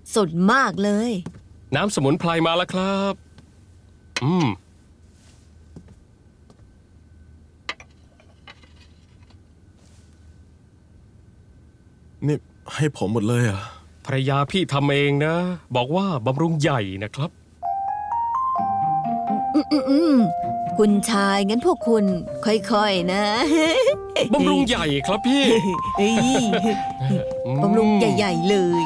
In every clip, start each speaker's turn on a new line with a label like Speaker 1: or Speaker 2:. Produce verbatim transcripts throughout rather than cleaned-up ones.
Speaker 1: สดมากเลย
Speaker 2: น้ำสมุนไพรมาแล้วครับอืม
Speaker 3: นี่ให้ผมหมดเลยเหรอ่ะ
Speaker 2: ภรรยาพี่ทำเองนะ บอกว่าบำรุงใหญ่นะครับ
Speaker 1: อืมอืมอืมคุณชายงั้นพวกคุณค่อยๆนะ
Speaker 2: บำรุงใหญ่ครับพี่
Speaker 1: เอ้ย
Speaker 2: อืม
Speaker 1: บำรุงใหญ่ๆเลย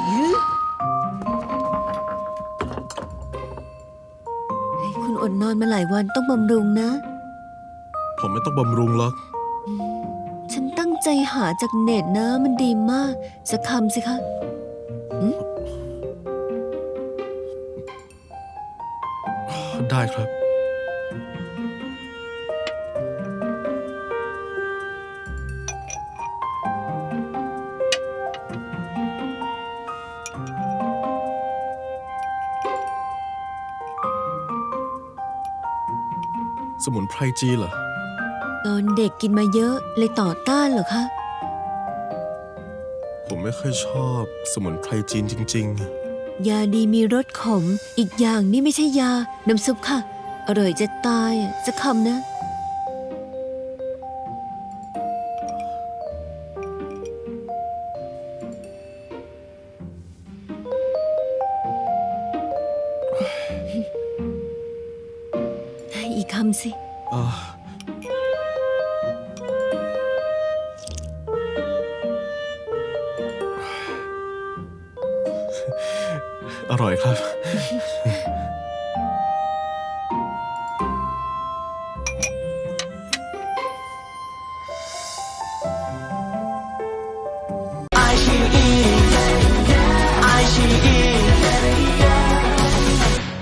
Speaker 1: เฮ้ยคุณอดนอนมาหลายวันต้องบำรุงนะ
Speaker 3: ผมไม่ต้องบำรุงหรอก
Speaker 1: ฉันตั้งใจหาจากเน็ตนะมันดีมาก สักคำสิคะ
Speaker 3: ได้ครับ สมุนไพรจีนเหรอ
Speaker 1: ตอนเด็กกินมาเยอะเลยต่อต้านเหรอคะ
Speaker 3: ผมไม่ค่อยชอบสมุนไพรจีนจริง
Speaker 1: ยาดีมีรสขม อีกอย่างนี่ไม่ใช่ยา น้ำซุปค่ะ อร่อยจะตายอะสักคำนะ อีกคำสิ
Speaker 3: ๆอ่าอร่อยครับ
Speaker 4: 爱是一